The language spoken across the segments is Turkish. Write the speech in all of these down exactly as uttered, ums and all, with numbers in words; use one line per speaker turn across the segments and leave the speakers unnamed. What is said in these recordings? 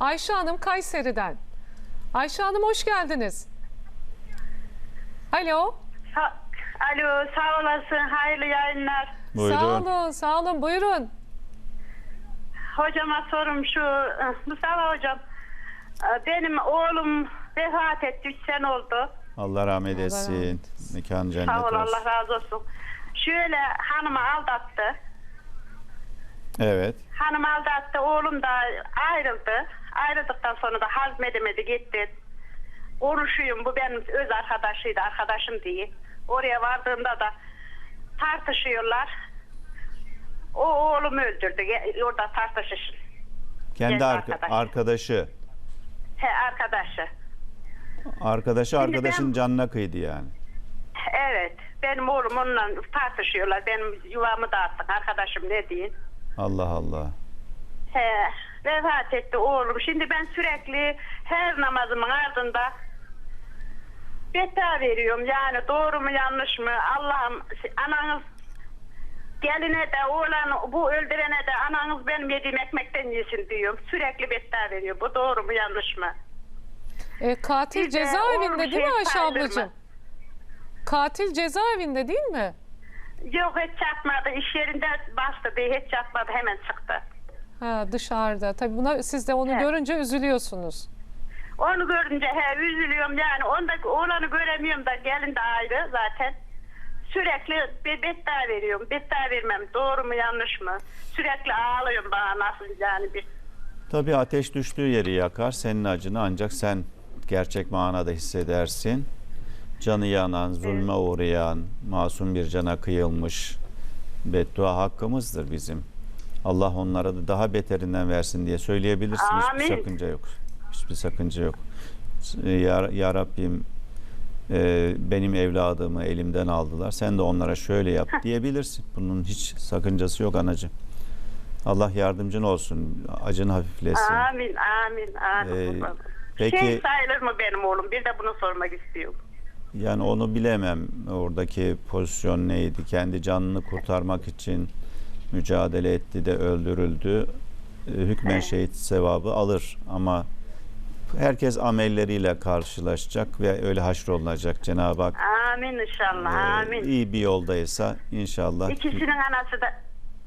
Ayşe Hanım Kayseri'den. Ayşe Hanım hoş geldiniz. Alo.
Sa- Alo, sağ olasın. Hayırlı yayınlar.
Buyurun.
Sağ olun, sağ olun. Buyurun.
Hocama sorum şu, Mustafa hocam. Benim oğlum vefat etti, üç sene oldu.
Allah rahmet etsin. Mekanı cennet
Sağ ol,
olsun.
Allah razı olsun. Şöyle hanımı aldattı.
Evet.
Hanım aldattı, oğlum da ayrıldı. Ayrıldıktan sonra da hazmedemedi, gitti. Konuşuyum, bu benim öz arkadaşıydı, arkadaşım diye. Oraya vardığımda da tartışıyorlar. O oğlumu öldürdü, orada tartışışın.
Kendi
Kendi
arka-
arkadaş.
arkadaşı.
He, arkadaşı.
Arkadaşı arkadaşın
ben-
canına kıydı yani.
Evet, benim oğlum onunla tartışıyorlar. Benim yuvamı dağıttık, arkadaşım ne diyeyim.
Allah Allah.
He, vefat etti oğlum. Şimdi ben sürekli her namazımın ardında beta veriyorum. Yani doğru mu yanlış mı? Allah'ım, ananız geline de oğlan bu öldürene de ananız benim yediğim ekmekten yesin diyorum. Sürekli beta veriyor. Bu doğru mu yanlış mı?
E, katil
Bir de
cezaevinde
oğlum
değil mi
şey
Ayşe
sayılır mı?
ablacığım? Katil cezaevinde değil mi?
Yok, hiç çatmadı. İş yerinde bastı diye hiç çatmadı. Hemen çıktı.
Ha, dışarıda. Tabii buna siz de onu
Evet.
görünce üzülüyorsunuz.
Onu görünce he üzülüyorum yani. Onda oğlanı göremiyorum da gelin de ayrı zaten. Sürekli bir betta veriyorum. Betta vermem. Doğru mu yanlış mı? Sürekli ağlıyorum bana nasıl yani bir.
Tabii ateş düştüğü yeri yakar. Senin acını ancak sen gerçek manada hissedersin. Canı yanan, zulme uğrayan, masum bir cana kıyılmış beddua hakkımızdır bizim. Allah onlara da daha beterinden versin diye söyleyebilirsin.
Amin.
Hiçbir sakınca yok. Hiçbir sakınca yok. Ya, ya Rabbim e, benim evladımı elimden aldılar. Sen de onlara şöyle yap diyebilirsin. Bunun hiç sakıncası yok anacığım. Allah yardımcın olsun. Acını hafiflesin.
Amin, amin, amin.
Ee, peki-
Şey sayılır mı benim oğlum? Bir de bunu sormak istiyorum.
Yani onu bilemem. Oradaki pozisyon neydi? Kendi canını kurtarmak için mücadele etti de öldürüldü. E, Hükmen şehit sevabı alır ama herkes amelleriyle karşılaşacak ve öyle haşrolunacak. Cenab-ı Hak
Amin inşallah,
e,
amin.
iyi bir yoldaysa inşallah.
İkisinin anası da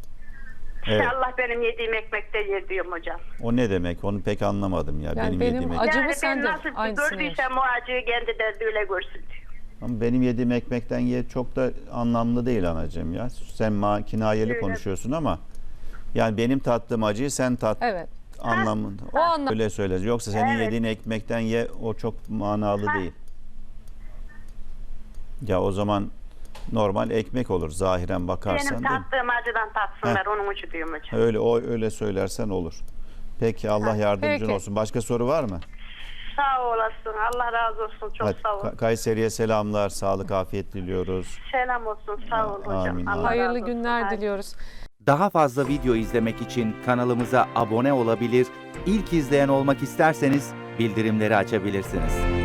Evet.
İnşallah benim yediğim ekmekte yer diyorum hocam.
O ne demek? Onu pek anlamadım ya.
Yani
benim,
benim
yediğim
acı-
ekmek.
Acımı
Yani
sen
ben
de
nasıl
aynısını
gördüysem o acıyı kendi de öyle görsün diyor.
Ama benim yediğim ekmekten ye çok da anlamlı değil anacığım ya. Sen ma kinayeli
Öyle.
konuşuyorsun ama yani benim tattığım acıyı sen tat
Evet.
anlamında.
O anlam-
Öyle söyleriz. Yoksa senin
Evet.
yediğin ekmekten ye o çok manalı
Ha.
değil. Ya o zaman normal ekmek olur zahiren bakarsan
Benim
değil mi?
tattığım acıdan tatsınlar, onun için diyorum hocam.
Öyle o öyle söylersen olur. Peki Allah yardımcın
Peki.
olsun. Başka soru var mı?
Sağ olasın, Allah razı olsun, çok
Hadi,
sağ ol.
Ka- Kayseri'ye selamlar, sağlık, afiyet diliyoruz.
Selam olsun, sağ ol hocam.
Amin,
Allah
amin.
Hayırlı
razı olsun.
günler
Haydi.
diliyoruz.
Daha fazla video izlemek için kanalımıza abone olabilir, ilk izleyen olmak isterseniz bildirimleri açabilirsiniz.